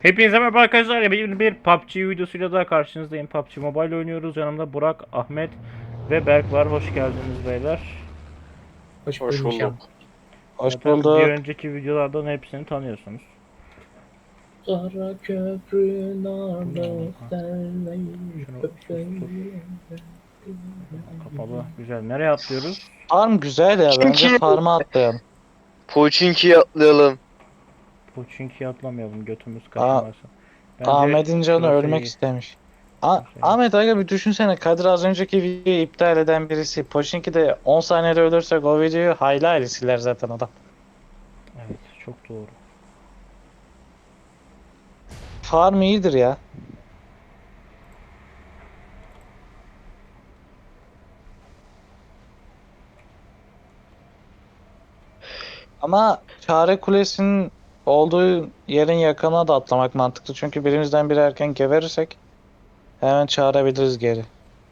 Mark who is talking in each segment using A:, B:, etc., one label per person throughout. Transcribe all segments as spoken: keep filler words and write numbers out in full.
A: Hepinize merhaba arkadaşlar. Yeni bir P U B G videosuyla daha karşınızdayım. P U B G Mobile oynuyoruz. Yanımda Burak, Ahmet ve Berk var. Hoş geldiniz beyler.
B: Hoş
C: Hoş
B: bulmuşum.
C: bulduk.
D: Hoş
A: Zaten bir
D: bulduk.
A: önceki videolardan hepsini tanıyorsunuz.
B: Kara köprü narlı
A: Ha,
B: senleyim
A: şunu sustur.
B: köpeğim.
A: Kapalı. Güzel. Nereye atlıyoruz?
D: Farm güzel ya. Bence
C: Pochinki,
D: farm'a atlayalım.
C: Pochinki'ye atlayalım.
A: Pochinki'ye atlamayalım. Götümüz
D: A
A: kaşınmasın. Bence
D: Ahmet'in canı
A: şurası
D: ölmek
A: iyi.
D: istemiş. A
A: Şurası iyi.
D: Ahmet aga bir düşünsene. Kadir az önceki videoyu iptal eden birisi. Pochinki'de on saniyede ölürsek o videoyu hayli hayli siler zaten adam.
A: Evet. Çok doğru.
D: Farm iyidir ya. Ama Çare Kulesi'nin olduğu yerin yakınına da atlamak mantıklı. Çünkü birimizden biri erken geberirsek hemen çağırabiliriz geri.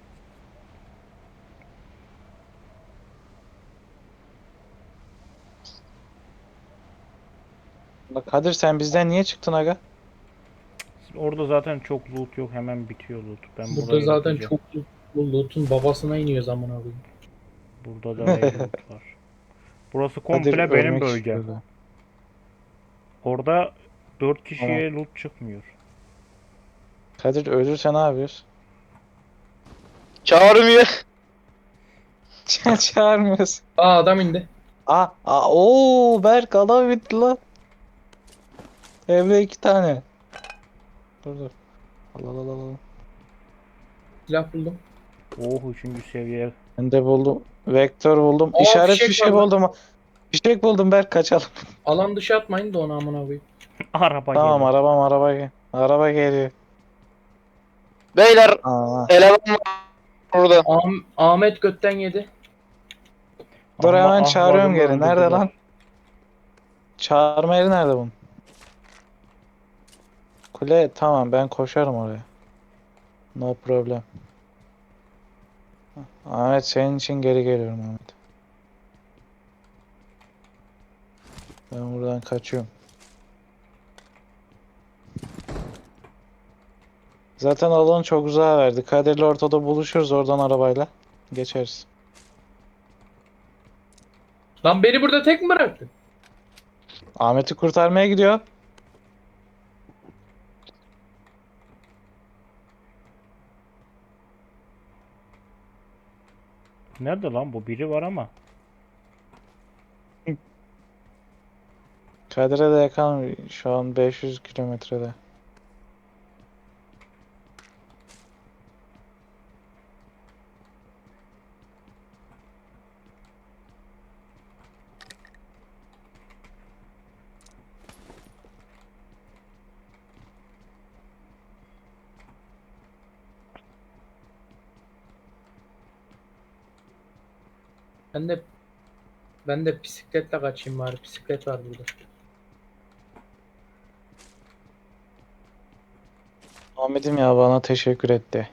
D: Bak Kadir sen bizden niye çıktın aga?
A: Orada zaten çok loot yok. Hemen bitiyor loot. Ben
B: Burada
A: burayı
B: zaten
A: lootlayacağım.
B: çok bu loot'un babasına iniyor zaman abi.
A: Burada da ayrı loot var. Burası
D: Kadir
A: komple benim
D: ölmek
A: bölgem.
D: istiyordu.
A: Orada dört
D: Tamam.
A: kişiye loot çıkmıyor.
D: Kadir ölürse ne yapıyoruz?
C: Çağırmıyor.
D: Çağırmıyoruz.
B: Aa adam indi.
D: Aa, aa, ooo Berk adam bitti lan. Evde iki tane. Dur dur. Al al al al.
B: Silah buldum.
A: Oh, üçüncü seviye.
D: Ben de buldum. Vektör buldum.
B: Aa,
D: İşaret
B: fişek
D: fişeği
B: var lan.
D: buldum. Fişek buldum Berk kaçalım.
B: Alan dışı atmayın da onu amına koyayım.
A: Araba
D: Tamam
A: geliyor.
D: arabam araba gel. Araba geliyor.
C: Beyler
D: Aa.
C: eleman var burada.
B: Ah- Ahmet götten yedi.
D: Dur
A: Ama
D: hemen çağırıyorum
A: ahladımı
D: geri. Nerede
A: öldürdüler.
D: lan? Çağırma yeri nerede bunun? Kule tamam ben koşarım oraya. No problem. Ahmet senin için geri geliyorum Ahmet. Ben buradan kaçıyorum. Zaten alanı çok uzağa verdi. Kadir'le ortada buluşuruz oradan arabayla. Geçeriz.
B: Lan beni burada tek mi bıraktın?
D: Ahmet'i kurtarmaya gidiyor.
A: Nerede lan bu? Biri var ama.
D: Kadir'e de yakın şu an beş yüz kilometrede.
B: Ben de ben de bisikletle kaçayım bari. Bisiklet var burada.
D: Ahmet'im ya bana teşekkür etti.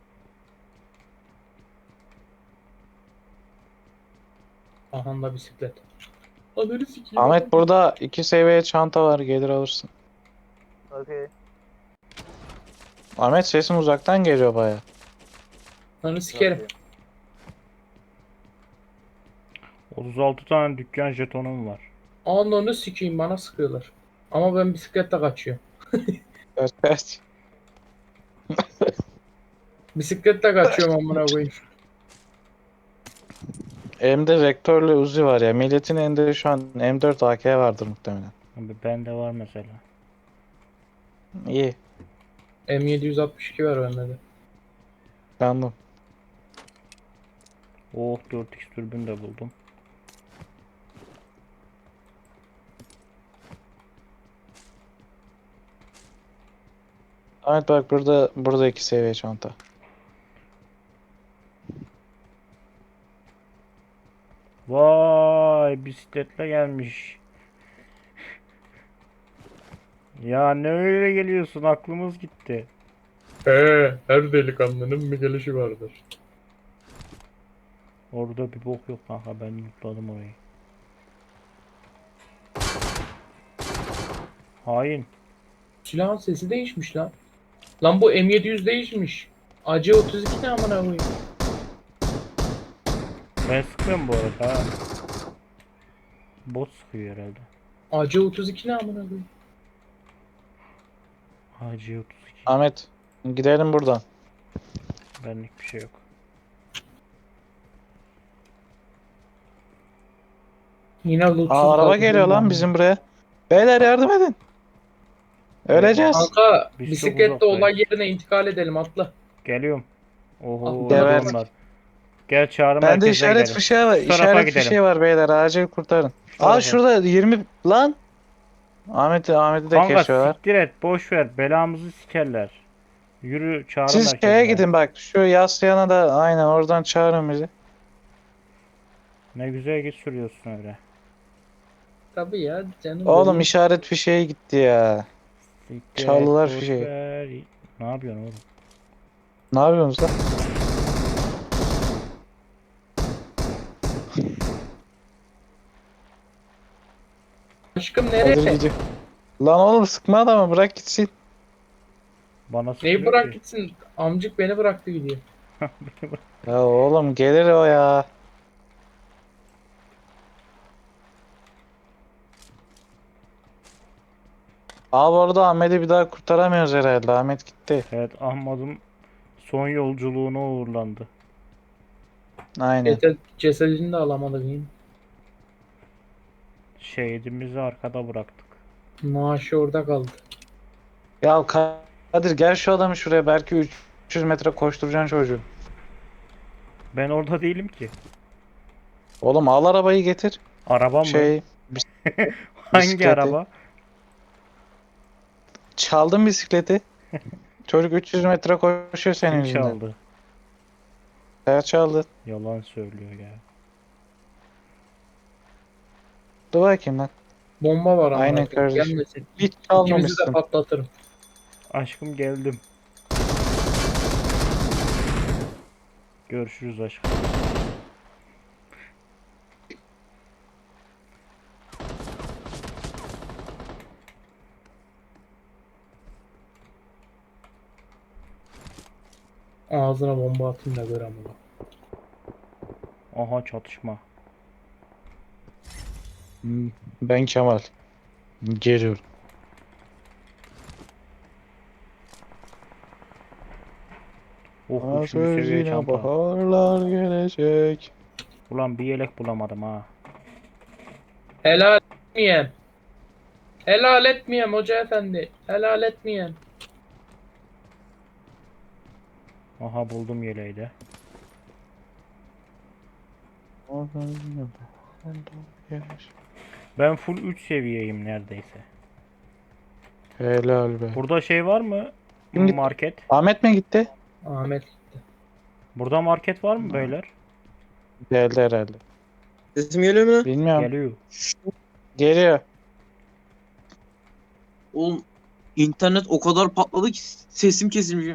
B: Aha da bisiklet. Ananı sikeyim.
D: Ahmet burada iki seviye çanta var gelir alırsın.
C: Okay.
D: Ahmet sesin uzaktan geliyor baya.
B: Ananı sikerim.
A: otuz altı tane dükkan jetonum var.
B: Ananı sikeyim bana sıkıyorlar. Ama ben bisikletle kaçıyorum.
D: Kaç kaç.
B: Bisikletle kaçıyorum amına koyayım.
D: Elimde vektörlü Uzi var ya. Milletin elinde şu an M dört A K vardır muhtemelen.
A: Abi bende var mesela.
D: İyi.
B: M yedi altmış iki var bende de.
D: Kandım.
A: Oh, dört x türbün de buldum.
D: Ahmet bak burada burada iki seviye çanta.
A: Vay, bisikletle gelmiş. Ya ne öyle geliyorsun? Aklımız gitti.
B: He, her delikanlının bir gelişi vardır.
A: Orada bir bok yok kanka, ben lootladım orayı. Hain.
B: Silahın sesi değişmiş lan. Lan bu M yedi yüz değişmiş. A C otuz iki ne amına koyayım?
A: Ben sıkmıyorum bu arada ha. Bot sıkıyor herhalde.
B: A C otuz iki ne amına koyayım?
A: A C otuz iki.
D: Ahmet gidelim buradan.
A: Benlik bir şey yok.
B: Yine lootsuz
D: Aa, araba
B: kaldı.
D: geliyor lan bizim buraya. Beyler yardım edin. Öleceğiz.
B: Kanka
A: Biz çok
B: bisikletle
A: uzaktayız.
B: olay yerine intikal edelim atla.
A: Geliyorum. Oho,
B: Atla.
A: öldüm var. Gel çağrı
D: Bende
A: merkezine
D: işaret
A: gidelim.
D: fişeği var.
A: Şu tarafa
D: İşaret
A: gidelim.
D: fişeği var beyler. Acil kurtarın.
A: Şu
D: Aa
A: tarafa.
D: şurada yirmi lan. Ahmet'i Ahmet'i de
A: Kanka
D: kesiyorlar.
A: siktir et, boş ver, belamızı sikerler. Yürü çağrı
D: Siz
A: merkezine.
D: şeye gidin bak. Şu yaslıyana da aynen oradan çağırın bizi.
A: Ne güzel git sürüyorsun öyle.
B: Tabii ya canım.
D: Oğlum
B: benim.
D: işaret fişeği gitti ya.
A: Siktir
D: Çaldılar
A: et, boş
D: fişeği.
A: ver. Ne yapıyorsun oğlum?
D: Ne yapıyorsunuz lan?
B: Aşkım
D: Hadi
B: nereye?
D: gidiyor. Lan oğlum sıkma adamı bırak gitsin.
A: Bana sıkıyor
B: Neyi bırak
A: ki.
B: gitsin? Amcık beni bıraktı gidiyor.
D: Ya oğlum gelir o ya. Abi orada Ahmet'i bir daha kurtaramıyoruz herhalde. Ahmet gitti.
A: Evet, Ahmet'im son yolculuğuna uğurlandı.
D: Aynen.
B: Ceset, cesedini de alamadık yine.
A: Şehidimizi arkada bıraktık.
B: Maaşı orada kaldı.
D: Ya Kadir gel şu adamı şuraya. Belki üç yüz metre koşturacaksın çocuğu.
A: Ben orada değilim ki.
D: Oğlum al arabayı getir.
A: Araba mı?
D: Şey
A: Hangi
D: bisikleti.
A: araba?
D: çaldın bisikleti. Çocuk üç yüz metre koşuyor senin
A: Kim
D: yüzünden.
A: çaldı?
D: Sen çaldın.
A: Yalan söylüyor ya.
D: Dur bakayım lan.
B: Bomba var ama.
D: Aynen kardeşim.
B: Gelmesin.
D: Hiç
B: İkimizi de
D: çalmamışsın.
B: patlatırım.
A: Aşkım geldim. Görüşürüz aşkım.
B: Ağzına bomba atayım da gör ama.
A: Aha çatışma.
D: Hmm, Ben Kemal. Geliyorum.
A: Oh, üçüncü seviye
D: Yine
A: çanta.
D: baharlar gelecek.
A: Ulan bir yelek bulamadım ha.
B: Helal etmeyem. Helal etmeyem hoca efendi. Helal etmeyem.
A: Aha buldum yeleği de. Ben full üç seviyeyim neredeyse.
D: Helal be.
A: Burada şey var mı?
D: Kim gitti?
A: Market.
D: Ahmet mi gitti?
B: Ahmet gitti.
A: Burada market var mı beyler?
D: Geldi herhalde.
E: Sesim geliyor mu lan?
D: Bilmiyorum.
A: Geliyor.
D: Geliyor.
E: Oğlum internet o kadar patladı ki sesim kesilmiş.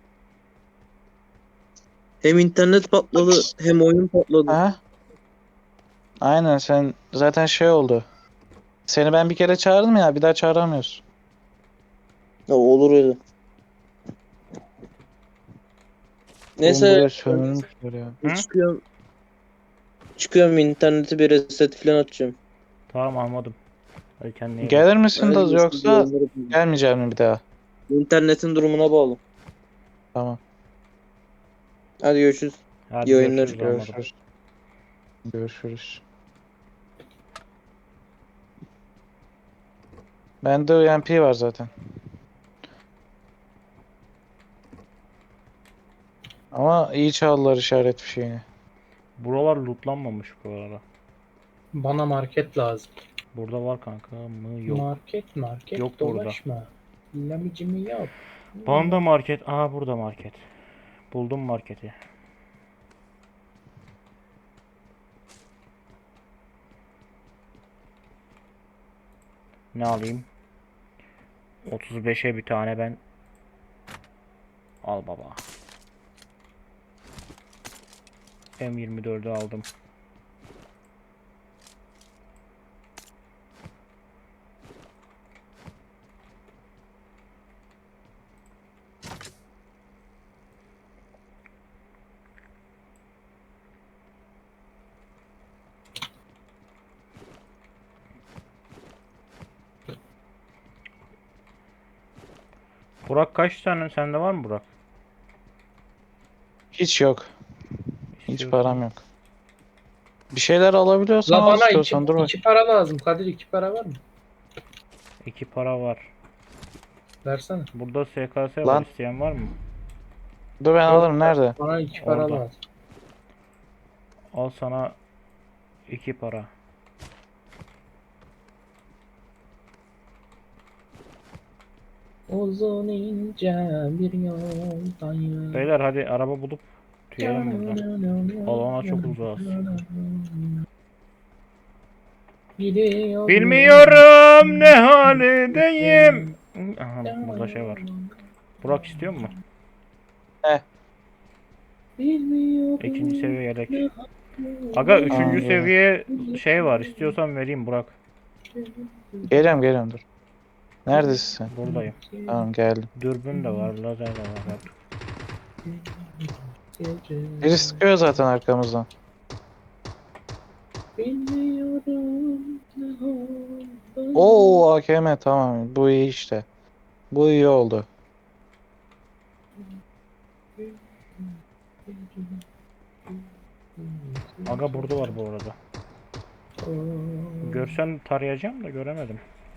E: Hem internet patladı hem oyun patladı.
D: Ha? Aynen sen zaten şey oldu. Seni ben bir kere çağırdım ya bir daha çağıramıyorsun.
E: Ya olur öyle.
D: Oğlum
E: Neyse
D: buraya sömürmüşler ya.
A: Hı?
E: çıkıyorum. Çıkıyorum interneti bir reset falan atacağım.
A: Tamam anladım. Hadi kendine iyi bak.
D: Gelir misin
E: Hadi
D: da
E: görüşürüz,
D: yoksa
E: yayınları-
D: gelmeyecek mi bir daha?
E: İnternetin durumuna bağlı.
D: Tamam.
E: Hadi görüşürüz.
A: Hadi
E: iyi oyunlar,
A: görüşürüz, anladım.
D: Görüşürüz. Görüşürüz. Bende U M P var zaten. Ama iyi çaldılar işaret fişeğini.
A: Buralar lootlanmamış bu arada.
B: Bana market lazım.
A: Burada var kanka mı? Yok.
B: Market market
A: Yok burada.
B: dolaşma. Lamicimi yap.
A: Banda market. Aha burada market. Buldum marketi. Ne alayım? otuz beşe bir tane ben. Al baba. M yirmi dördü aldım. Burak kaç tane sende var mı Burak?
D: Hiç yok. Hiç
A: İstiyorsan.
D: param yok. Bir şeyler alabiliyorsan
B: La
D: al
B: bana iki,
D: istiyorsan dur bak.
B: iki para lazım. Kadir iki para var mı?
A: İki para var.
B: Versene.
A: Burada S K S var.
D: Lan.
A: İsteyen var mı?
D: Dur ben alırım nerede?
B: Bana iki para
A: Orada.
B: lazım.
A: Al sana iki para.
B: Uzun ince bir yoldayım.
A: Beyler hadi araba bulup tüyelim burada. Alana çok uzağız.
B: Gidiyorum.
A: Bilmiyorum ne haldeyim. Aha burada şey var. Burak istiyor mu?
B: Bilmiyorum.
A: İkinci seviye yelek. Aga üçüncü
D: Aa,
A: seviye şey var. İstiyorsan vereyim Burak.
D: Geliyorum geliyorum dur. Neredesin sen?
A: Buradayım.
D: Tamam geldim.
A: Dürbün de var. Lazer de var. Artık.
D: Biri sıkıyor zaten arkamızdan.
B: Bilmiyorum.
D: Oo A K M tamam bu iyi işte. Bu iyi oldu.
A: Aga burada var bu arada. Görsem tarayacağım da göremedim.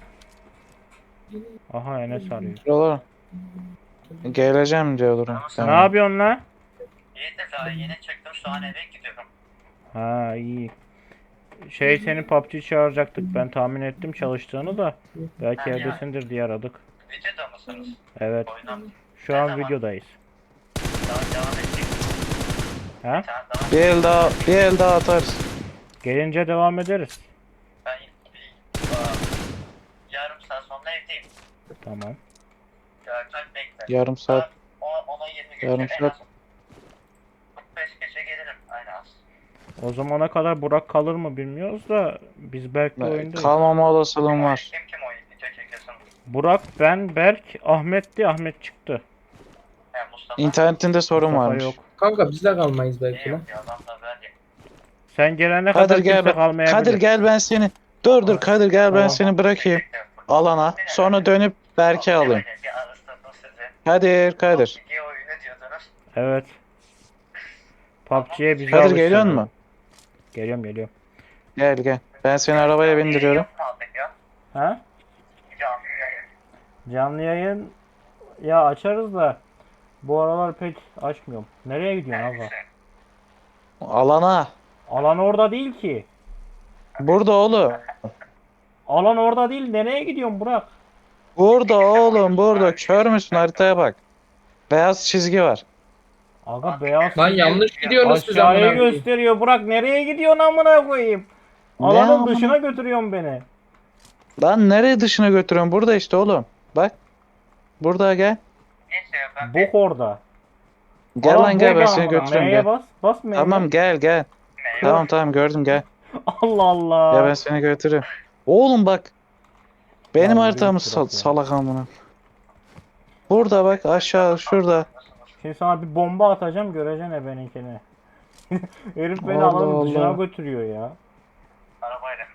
A: Aha Enes arıyor.
D: Şuralar. Geleceğim diyorum.
A: Ne yapıyorsun lan?
F: İyi de daha yeni çıktım şu an eve gidiyorum.
A: Ha iyi. Şey seni P U B G çağıracaktık. Ben tahmin ettim çalıştığını da. Belki evdesindir diye aradık.
F: Videoda mısınız?
A: Evet.
F: Oyundan
A: Şu an videodayız.
F: daha devam edecek.
A: Ha?
F: Bir tane daha.
D: Bir el daha bir el daha atarız.
A: Gelince devam ederiz.
F: Ben bir aa, yarım saat sonra evdeyim.
A: Tamam.
F: Görkem bekle.
D: Yarım saat.
F: O, ona yirmi geçe
D: Yarım
F: en
D: saat.
F: az kırk beş geçe gelirim en az.
A: O zamana kadar Burak kalır mı bilmiyoruz da biz Berk'le oyundayız.
D: Kalmama olasılığım var.
F: Kim kim oyun video çekiyorsun?
A: Burak, ben, Berk, Ahmet'ti. Ahmet çıktı.
F: He Mustafa.
D: İnternetinde sorun
A: Mustafa
D: varmış.
A: yok.
B: Kanka biz de kalmayız belki
F: İyi
B: lan.
F: yok ya adam da böyle.
A: Sen gelene
D: Kadir
A: kadar
D: gel
A: kimse
D: ben.
A: kalmayabilir.
D: Kadir gel ben seni. Dur dur Kadir gel ben
A: Tamam.
D: seni bırakayım alana. Sonra dönüp Berk'e alayım.
F: Bir arasında sizi.
D: Kadir Kadir.
F: İki oyunu diyordunuz.
A: Evet. P U B G'ye bizi
D: Kadir
A: alıştırdı.
D: geliyor mu?
A: Geliyorum geliyorum.
D: Gel gel. Ben seni arabaya bindiriyorum.
F: Yok mu aldık ya?
A: Ha?
F: Canlı yayın.
A: Canlı yayın ya açarız da bu aralar pek açmıyorum. Nereye gidiyorsun abla?
D: Alana.
A: Alan orada değil ki.
D: Burada oğlum.
A: Alan orada değil. Nereye gidiyorsun Burak?
D: Burada oğlum burada. Kör müsün haritaya bak. Beyaz çizgi var.
A: Aga beyaz
B: Lan yanlış gidiyorsunuz siz amına
A: aşağıya
B: koyayım.
A: gösteriyor. Burak nereye gidiyorsun amına koyayım?
D: Ne
A: Alanın
D: amına-
A: dışına götürüyorsun beni.
D: Lan nereye dışına götürüyorsun? Burada işte oğlum. Bak. Burada gel.
F: Neyse ya ben
A: Bok orada.
D: Gel
A: Alan
D: lan gel ben
A: burada
D: seni
A: amına.
D: götürüyorum
A: Neye
D: gel.
A: bas? Bas M'ye.
D: Tamam gel gel. Tamam tamam gördüm gel.
A: Allah Allah.
D: Ya ben seni götürüyorum. Oğlum bak. Benim
A: yürü
D: haritamı
A: git
D: sal-
A: Burak ya.
D: salak amına. Burada bak aşağı şurada.
A: Şimdi sana bir bomba atacağım göreceksin ebeninkini. Herif beni
D: Allah
A: alanın dışına
D: Allah.
A: götürüyor ya.
F: arabayla.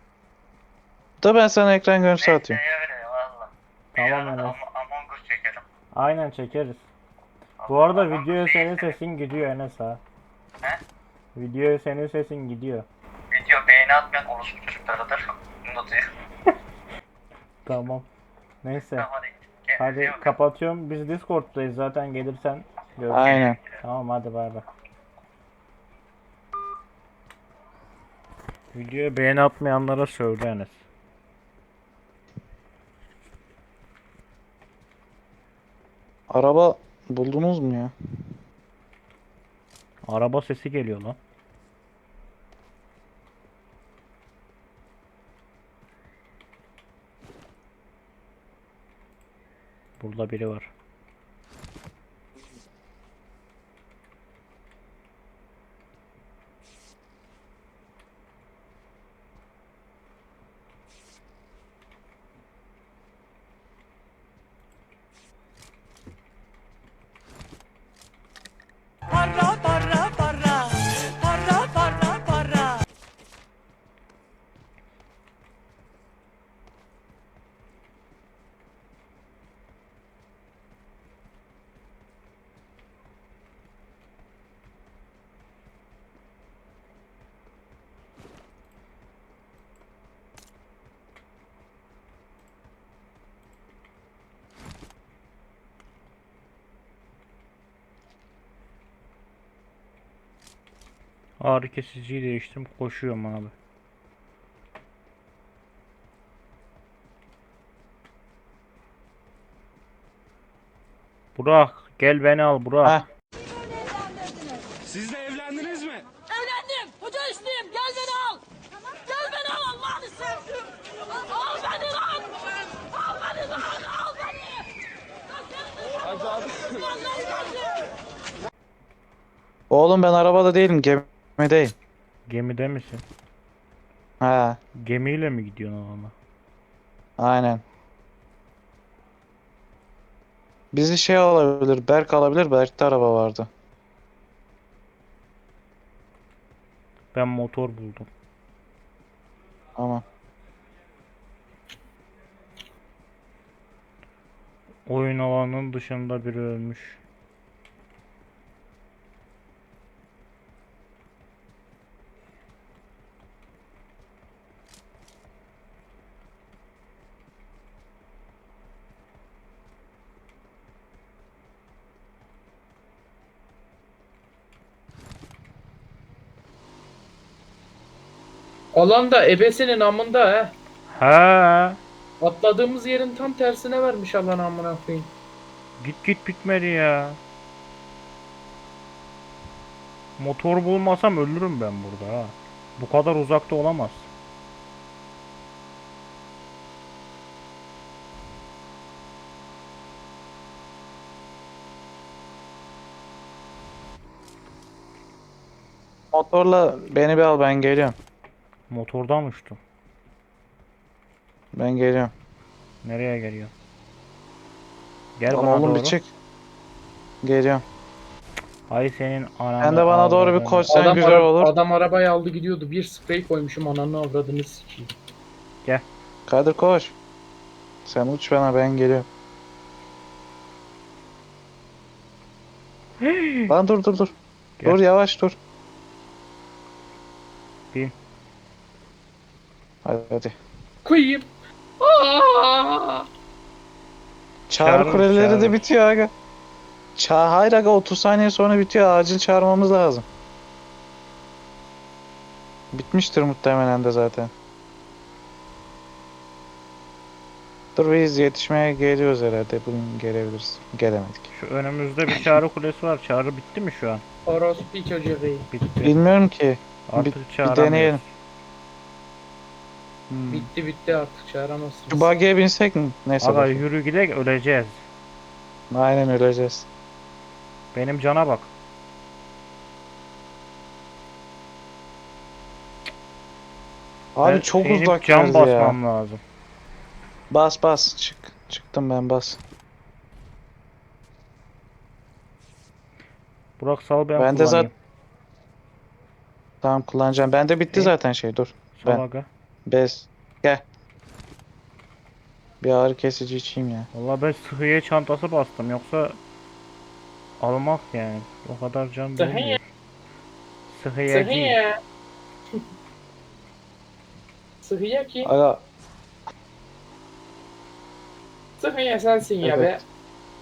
D: Da ben sana ekran görüntüsü atayım.
F: Neyse öyle valla.
A: Tamam
F: Yarın
A: Enes.
F: Am- Among Us çekelim.
A: Aynen çekeriz. Bu arada videoya senin sesin gidiyor Enes ha.
F: He?
A: Videoya senin sesin gidiyor.
F: Video beğeni atmayan orospu çocuklarıdır. Unutuyor.
A: Tamam. Neyse.
F: Tamam hadi. Kendinize iyi
A: Hadi
F: bakın.
A: kapatıyorum. Biz Discord'dayız zaten gelirsen görüşürüz.
D: Aynen.
A: Tamam hadi bay bay. Videoya beğeni atmayanlara söyle Enes.
D: Araba buldunuz mu ya?
A: Araba sesi geliyor lan. Burada biri var.
G: Para, para, para. Para, para, para.
A: Ağrı kesiciyi değiştim. Koşuyorum abi. Burak gel beni al Burak.
D: Ha.
G: Evlendim. Hoca üstüyüm. Gel beni al. Gel beni al Allah'ını sevdim. Al beni lan. Al beni lan. Al beni.
D: Oğlum ben arabada değilim, gemideyim.
A: Gemide misin?
D: Ha,
A: Gemiyle mi gidiyorsun alana?
D: aynen. Bizi şey olabilir, Berk alabilir, Berk'te araba vardı.
A: Ben motor buldum.
D: Ama
A: Oyun alanının dışında biri ölmüş.
B: Alanda ebesinin amında he.
A: Ha,
B: Atladığımız yerin tam tersine vermiş alan amına koyayım.
A: git git bitmedi ya. Motor bulmasam ölürüm ben burada ha. Bu kadar uzakta olamaz.
D: motorla beni bir al, ben geliyorum.
A: Motordan uçtum.
D: Ben geliyorum.
A: Nereye geliyor? Gel
D: Lan
A: bana
D: oğlum
A: doğru.
D: bir çık. Geliyorum.
A: Hay senin ananı
D: Sen de bana doğru bir
A: avradını.
D: koş, sen
B: Adam,
D: güzel
B: ara-
D: olur.
B: adam arabayı aldı gidiyordu. Bir sprey koymuşum ananı avradını sikeyim.
D: Kadir koş. Sen uç bana, ben geliyorum. Lan dur dur dur.
A: Gel.
D: Dur yavaş dur.
A: Bin.
D: Hadi hadi.
B: Koyayım. Aa!
D: Çağrı
A: Çağırın,
D: kuleleri
A: çağırın.
D: de bitiyor aga. Ça Hayır aga, otuz saniye sonra bitiyor. Acil çağırmamız lazım. Bitmiştir muhtemelen de zaten. Dur biz yetişmeye geliyoruz herhalde. Bugün gelebiliriz. Gelemedik.
A: Şu önümüzde bir çağrı kulesi var. Çağrı bitti mi şu an?
B: Orospu çocuğu.
A: Bitti.
D: Bilmiyorum ki.
A: Artık
D: bir- bir
A: çağıramıyoruz.
D: deneyelim. Hmm.
B: Bitti bitti artık çağıramazsınız.
D: Şu buggy'e binsek mi? Neyse
A: Aga
D: bakayım.
A: yürü gidek öleceğiz.
D: Aynen öleceğiz.
A: Benim cana bak.
D: Abi
A: Ben
D: çok
A: inip
D: uzak
A: cam
D: geldi ya.
A: basmam lazım.
D: Bas bas çık. Çıktım ben, bas.
A: Burak sal ben,
D: Ben de
A: kullanayım.
D: Tamam kullanacağım. Bende bitti
A: İyi.
D: zaten şey, dur.
A: Sal
D: ben-
A: aga.
D: Bez. Gel. Bir ağrı kesici içeyim ya.
A: Valla ben sıhhiye çantası bastım yoksa almak yani. O kadar can
B: Sıhhiye.
A: dolmuyor. Sıhhiyeci.
B: Sıhhiye. Sıhhiye ki.
D: Aga
B: Sıhhiye sensin ya be.
D: Evet.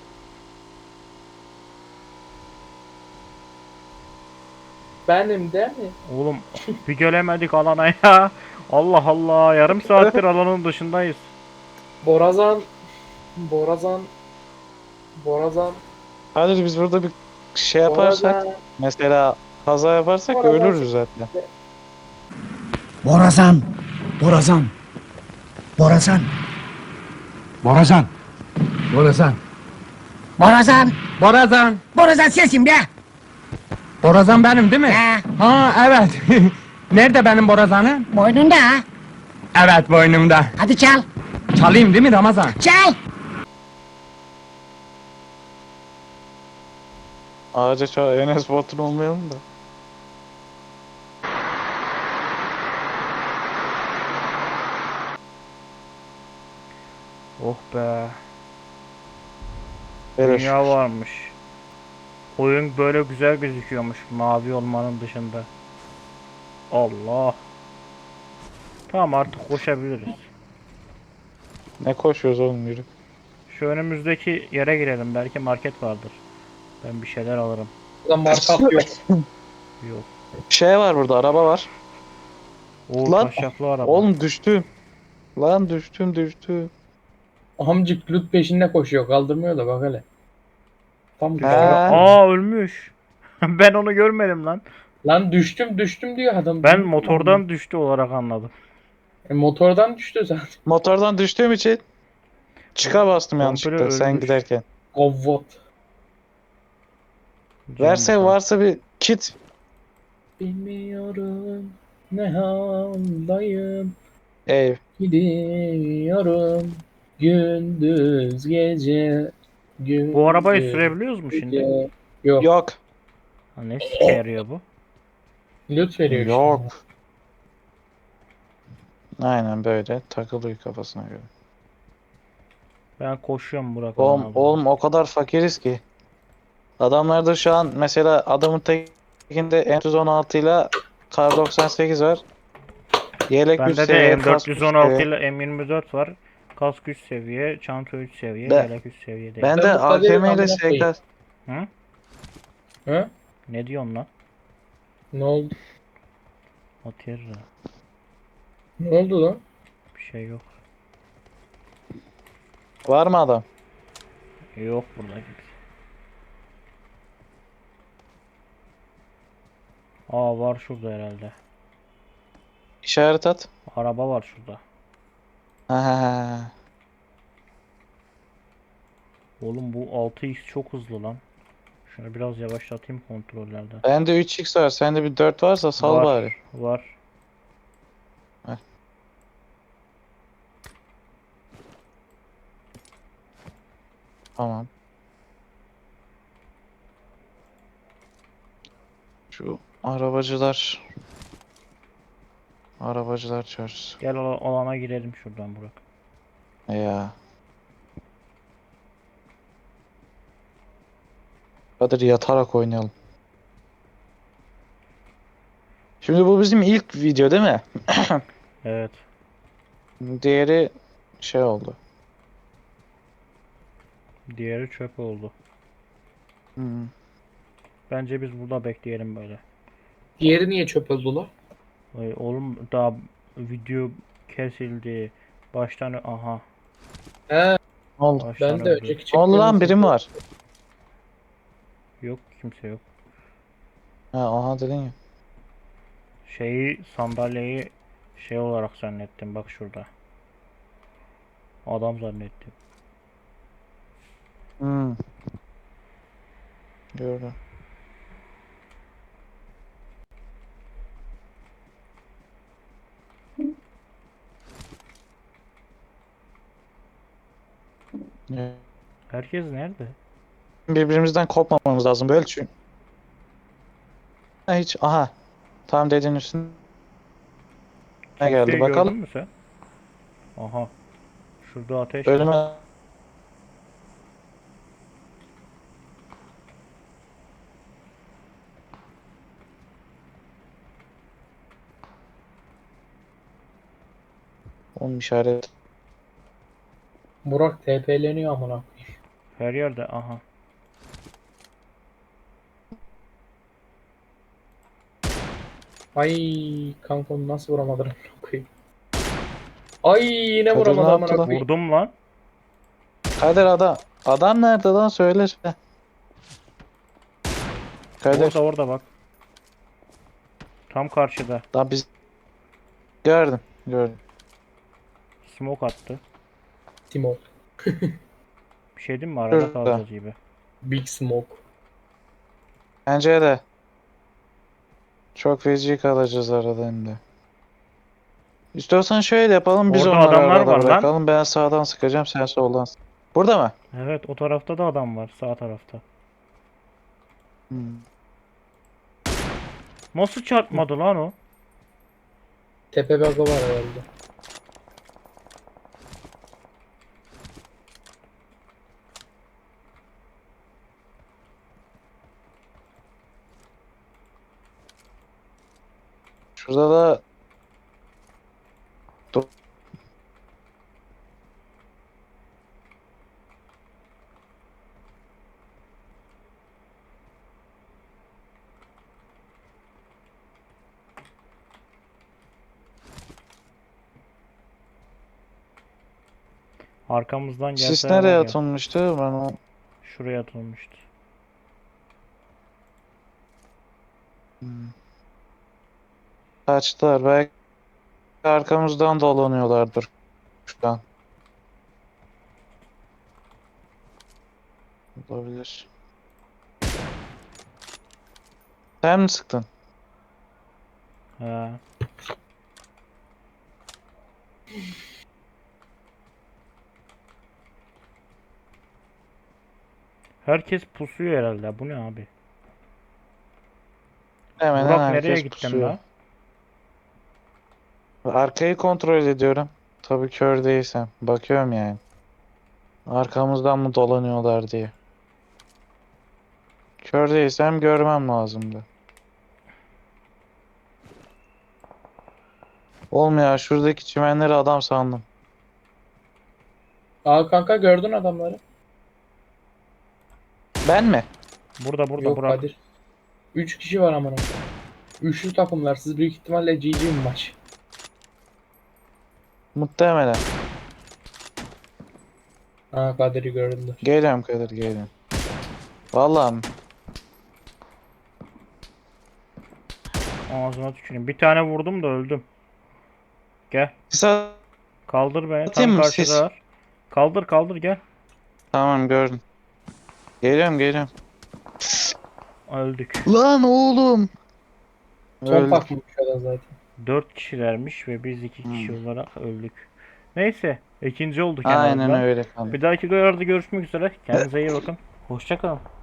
B: Benim değil mi?
A: Oğlum bir gelemedik alana ya. Allah Allah, yarım saattir alanın dışındayız.
B: Borazan. Borazan. Borazan.
D: hadi biz burada bir şey yaparsak,
B: Borazan.
D: mesela kaza yaparsak
B: Borazan.
D: ölürüz zaten.
H: Borazan, Borazan, Borazan, Borazan, Borazan, Borazan, Borazan, Borazan sensin be. Borazan benim değil mi? Ha evet. Nerede benim borazanım?
I: Boynunda ha.
H: Evet boynumda.
I: Hadi çal.
H: Çalayım değil mi Ramazan?
I: Çal.
D: Ağaca çağır, Enes Batur olmayalım da.
A: Oh be.
D: Böyle
A: Dünya varmış. Oyun böyle güzel gözüküyormuş mavi olmanın dışında. Allah. Tamam artık koşabiliriz.
D: Ne koşuyoruz oğlum, yürü.
A: Şu önümüzdeki yere girelim, belki market vardır. Ben bir şeyler alırım.
B: Lan markap yok.
A: Yok.
D: Şey var burada, araba var.
A: O
D: Lan,
A: taşaklı araba.
D: Oğlum düştüm. Lan düştüm düştüm.
B: Amcık loot peşinde koşuyor. Kaldırmıyor da bak hele. Tam
A: Düştü.
B: kavga.
D: Ha.
A: Aa ölmüş. Ben onu görmedim lan.
B: Lan düştüm düştüm diyor adam.
A: Ben motordan düştü olarak anladım.
B: E, motordan düştü zaten.
D: Motordan düştüğüm için çıka bastım
A: Komple
D: yanlışlıkla sen
A: ölmüş.
D: giderken.
B: Kovvat.
A: Can
D: Verse
A: bakalım.
D: varsa bir kit.
B: Bilmiyorum ne haldayım.
D: Ev.
B: Gidiyorum gündüz gece. Gündüz
A: Bu arabayı sürebiliyoruz mu şimdi?
B: gece. Yok.
D: Yok.
A: Ha, ne sike yarıyor bu?
B: Loot veriyor işte.
D: Yok. Aynen böyle takılıyor kafasına göre.
A: Ben koşuyorum Burak.
D: Oğlum,
A: abi.
D: oğlum o kadar fakiriz ki. Adamlarda şu an mesela adamın tekinde M yüz on altı ile Kar doksan sekiz var. Yelek üç
A: Bende de
D: seviye,
A: M
D: kask
A: dört yüz
D: üç
A: on altı
D: seviye.
A: ile M yirmi dört var. Kask üç seviye, çanta üç seviye,
D: Ben-
A: yelek üç seviye değil.
D: Ben
B: Ben
D: de
B: bu kaderi
D: A K M ile
B: amına
D: S
B: koyayım.
D: K.
A: Hı?
B: He?
A: Ne diyorsun lan?
B: Ne oldu?
A: Atıyor.
B: Ne oldu lan?
A: Bir şey yok.
D: Var mı adam?
A: Yok burada gibi. Aa var şurada herhalde.
D: İşaret at.
A: Araba var şurada.
D: Ha.
A: Oğlum bu altı x çok hızlı lan. Şunu biraz yavaşlatayım kontrollerde.
D: Bende üç x var. Sende bir dört varsa sal
A: Var,
D: bari.
A: Var.
D: Heh. Tamam. Şu arabacılar. Arabacılar çarşısı.
A: Gel ala- alana girelim şuradan Burak.
D: Ya. Hadi yatarak oynayalım. Şimdi bu bizim ilk video değil mi?
A: Evet.
D: Diğeri şey oldu.
A: Diğeri çöp oldu.
D: Hmm.
A: Bence biz burada bekleyelim böyle.
B: Diğeri niye çöp oldu lan?
A: Ay, oğlum daha video kesildi. Baştan aha.
B: He,
D: Oldu.
A: Baştan
B: ben de
A: öldü.
B: önceki
D: Oldu lan
B: çektiğimiz
D: birim var.
A: Yok kimse yok.
D: Ha aha dedin ya.
A: Şeyi sandalyeyi şey olarak zannettim bak şurada. Adam zannettim.
D: Hmm. Gördüm. Ya,
A: Herkes nerede?
D: birbirimizden kopmamamız lazım böyle çünkü. Ha, hiç aha. Tam dediğin üstüne ne geldi
A: Kimseyi
D: bakalım.
A: gördün mü sen? Aha. Şurada ateş.
D: Ölüme onun işaret.
B: Burak T P'leniyor amına koyayım.
A: Her yerde aha.
B: Ay kanka onu nasıl vuramadın amına koyayım. Ay yine
D: Kadir
B: vuramadı
D: ne
B: amına
D: yaptı lan?
B: koyayım.
A: Vurdum lan.
D: Kadir adam. Adam nerede lan söyle. Heh. Kadir.
A: Orada orada bak. Tam karşıda.
D: Lan biz gördüm. Gördüm.
A: Smoke attı.
B: Timo.
A: Bir şey diyeyim mi? Arada
D: Şurada.
A: kalacağız gibi.
B: Big Smoke.
D: Bence de. Çok feci kalacağız arada hem de. İstiyorsan şöyle yapalım biz
A: Orada
D: onları
A: adamlar
D: arada
A: var lan.
D: bırakalım. Ben sağdan sıkacağım sen soldan sık. Burada mı?
A: Evet o tarafta da adam var. Sağ tarafta.
D: Hmm.
A: Nasıl çarpmadı lan o?
B: Tepe bug'ı var herhalde.
D: Şurada da Dur.
A: Arkamızdan gelse
D: Sis
A: var
D: nereye
A: ya,
D: atılmıştı? Ben o...
A: şuraya atılmıştı.
D: Hmm. Kaçtılar. Belki arkamızdan dolanıyorlardır şu an. Olabilir. Sen mi sıktın?
A: He. Herkes pusuyor herhalde. Bu ne abi?
D: Hemen
A: Burak
D: herkes
A: nereye gittin
D: pusuyor.
A: lan?
D: Arkayı kontrol ediyorum. Tabii kör değilsem. Bakıyorum yani. Arkamızdan mı dolanıyorlar diye. Kör değilsem görmem lazımdı. Olmuyor. Şuradaki çimenleri adam sandım.
B: Aa kanka gördün adamları.
D: Ben mi?
A: Burada burada
B: Yok
A: Burak.
B: Kadir. Üç kişi var amına. Üçlü takımlar. Siz büyük ihtimalle G G bir maç.
D: Muhtemelen.
B: Ha Kadir'i gördüler.
D: Geliyorum Kadir geliyorum. Vallahi mi?
A: Ağzına tüküreyim. Bir tane vurdum da öldüm. Gel.
D: Kısa...
A: Kaldır beni.
D: Atayım
A: Tam
D: mı sis?
A: karşıdalar. Kaldır kaldır gel.
D: Tamam gördüm. Geliyorum geliyorum.
A: Öldük.
D: Lan oğlum.
B: Son
D: Öldük.
B: takmış o da zaten.
A: Dört kişilermiş ve biz iki kişi olarak öldük. Neyse. ikinci olduk en
D: Aynen
A: azından.
D: öyle kanka.
A: Bir dahaki videolarda görüşmek üzere. Kendinize iyi bakın. Hoşça kalın.